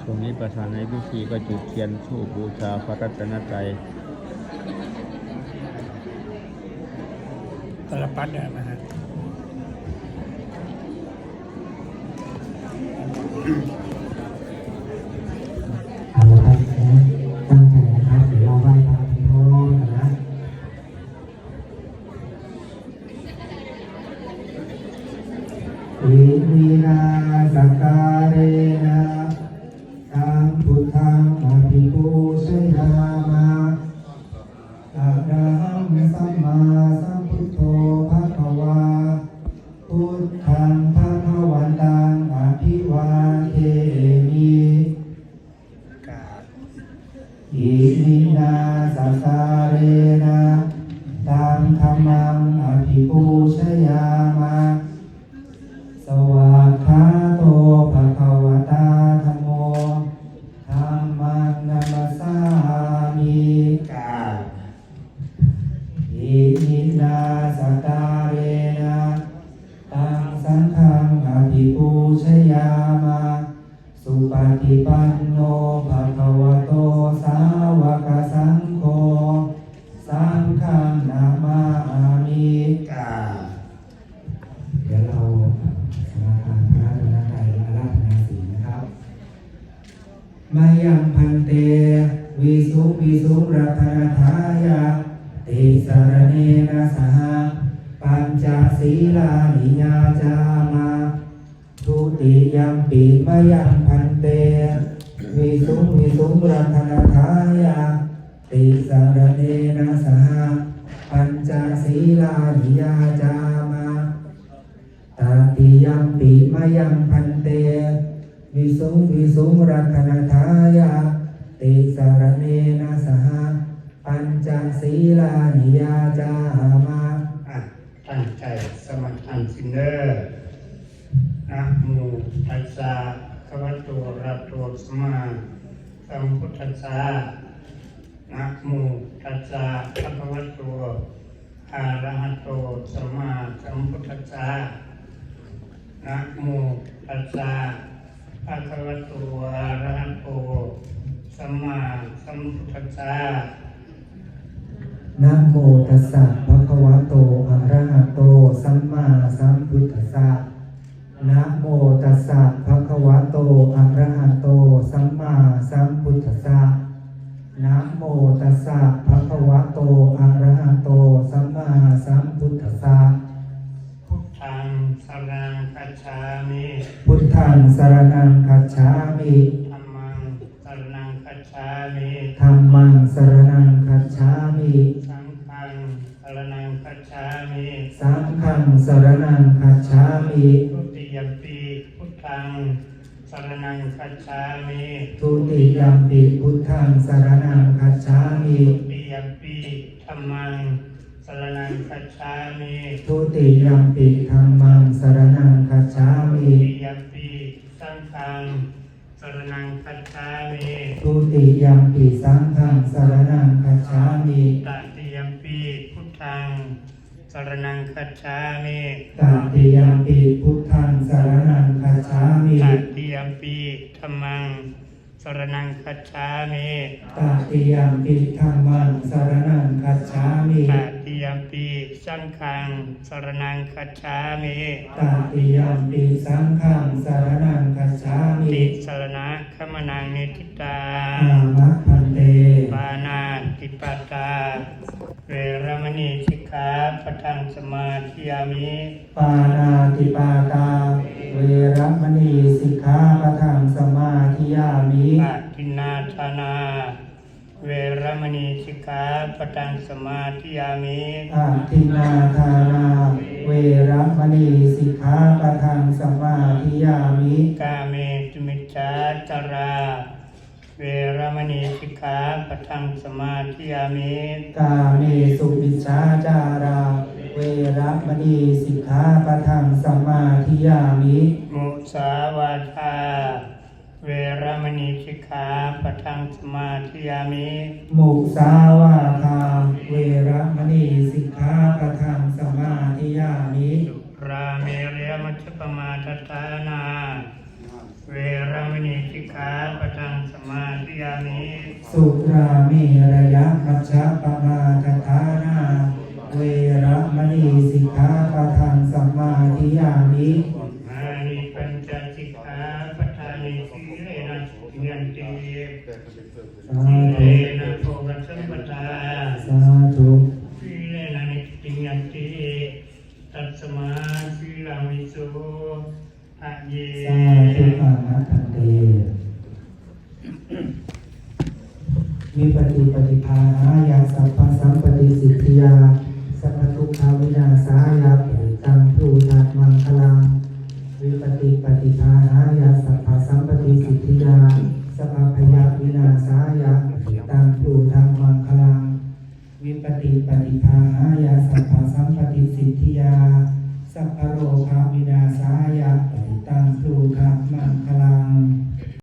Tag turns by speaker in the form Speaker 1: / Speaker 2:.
Speaker 1: ตรงนี้ประธานในพิธีก็จุดเทียนธูปบูชาพระรัตนตรัย
Speaker 2: ตลปัดเนี่ยนะฮะ
Speaker 3: เอาละครับตั้งใจนะครับเดี๋ยวเราไหว้พระพิโรธกันนะอิมินาสการะนะสัมพุทธังอภิปูชยามะอะระหังสัมมาสัมพุทโธภะคะวาพุทธังภะคะวันตังอภิวาเทมิอิมินาสการะนะตังธัมมังอภิปูชยามะสวากขาโตภะคะวะตาธัมโมธัมมังนัมสสามิกาอิมินาสการะนะตังสังฆังอภิปูชยามะสุปฏิปันโนภะคะวะโตสาวกสังโฆสังฆังนามามิกาเดี๋ยวเราสมาทานพระรัตนตรัยอาราธนาศีลนะครับมายังพันเตวิสุรัตนทายะติสรเนนะสหปัญจศีลานิยาจามะทุติยัมปิมยังพันเตวิสุรัตนทายะติสรเนนะสหปัญจศีลานิยาจามะตติยัมปิมยังพันเตวิสุรัตนทายะติสรเนนะสหปัญจศีลานิยาจามะ
Speaker 2: ตั้งใจสมาทานสินเนอร์นะโมตัสสะภะคะวะโตอะระหะโตสัมมาสัมพุทธัสสะนะโมตัสสะภะคะวะโตอะระหะโตสัมมาสัมพุทธัสสะนะโมตัสสะภะคะวะโตอะระหะโตสัมมาสัมพุทธัสสะ
Speaker 3: นะโมตัสสะภะคะวะโตอะระหะโตสัมมาสัมพุทธัสสะนะโมตัสสะภะคะวะโตอะระหะโตสัมมาสัมพุทธัสสะนะโมตัสสะภะคะวะโตอะระหะโตสัมมาสัมพุทธัสสะ
Speaker 2: พุทธังสรณังคัจฉามิ
Speaker 3: พุทธังสรณังคัจฉามิ
Speaker 2: ธัมมังสรณังคัจฉามิ
Speaker 3: ธัมมังสรณังคัจฉามิ
Speaker 2: สังฆังสรณังคัจฉามิ
Speaker 3: สังฆังสรณังคัจฉามิ
Speaker 2: ทุติยัมปิพุทธังสรณังคัจฉามิ
Speaker 3: ทุติยัมปิพุทธังสรณังคัจฉามิ
Speaker 2: ทุติยัมปิธัมมังสรณังคัจฉามิ
Speaker 3: ทุติยัมปิธัมมังสรณังคัจฉามิ
Speaker 2: ทุติยัมปิสังฆังสรณังคัจฉามิ
Speaker 3: ทุติยัมปิสังฆังสรณังคัจฉามิ
Speaker 2: ตติยัมปิพุทธังสรณังคัจฉามิ
Speaker 3: ตติยัมปิพุทธังสรณังคัจฉามิ
Speaker 2: ตติยัมปิธัมมังสรณังคัจฉามิ
Speaker 3: ตติยัมปิธัมมังสรณังคัจฉามิ
Speaker 2: ตติยัมปิสังฆังสรณังคัจฉามิ
Speaker 3: ตติยัมปิสังฆังสรณังคัจฉามิ
Speaker 2: ติสรณะขมนังนิทิตา
Speaker 3: อามะพันเต
Speaker 2: ปานาติปาตาเวรมณีสิกขาปะทังสมาธิยามิ
Speaker 3: ปานาติปาตาเวรมณีสิกขาปะทังสมาธิยามิ
Speaker 2: อาทินนาทานาเวรมณีสิกขาปะทังสมาธิยามิ
Speaker 3: อาทินนาทานาเวรมณีสิกขาปะทังสมาธิยามิ
Speaker 2: กาเมตุมิจฉาจาราเวรมณีสิกขาปะทังสมาธิยามิ
Speaker 3: กาเมสุมิจฉาจาราเวรมณีสิกขาปะทังสมาธิยามิ
Speaker 2: มุสาวาทาเวรมณีสิกขาปะทังสมาธิยามิ
Speaker 3: มุสาวาทาเวรมณีสิกขาปะทังสมาธิยามิ
Speaker 2: ราเมเรยมัชฌปมาทฐานาเวรรามินีสิกขาปะทังสมาธิยามิ
Speaker 3: สุราเมระยะมัชฌะปมาทฐานาเวระมณีสิกขาปะทังสัมมาทิยามิ
Speaker 2: อานิปัญจสิกขาปะทานิสีเลนะสุยันติ
Speaker 3: สา
Speaker 2: สี
Speaker 3: ธุ
Speaker 2: เลนะโภคสัมปทา
Speaker 3: สาธุ
Speaker 2: สีเลนะนิพพิยันติตัสมาสีลามิโสอะเย
Speaker 3: สาธุอาหัตันเตมีปฏิปฏิภาหายาสัพพสัมปติสิทธิยาสัพพทุกขาวินาศายาปริตังภูตัสมังคลังวิปฏิปฏิภาหายาสัพพสัมปติสิทธิยาสัพพพยาวินาศายาปริตังภูตัสมังคลังวิปฏิปฏิภาหายาสัพพสัมปติสิทธิยาสัพพโรคาวินาศายาปริตังภู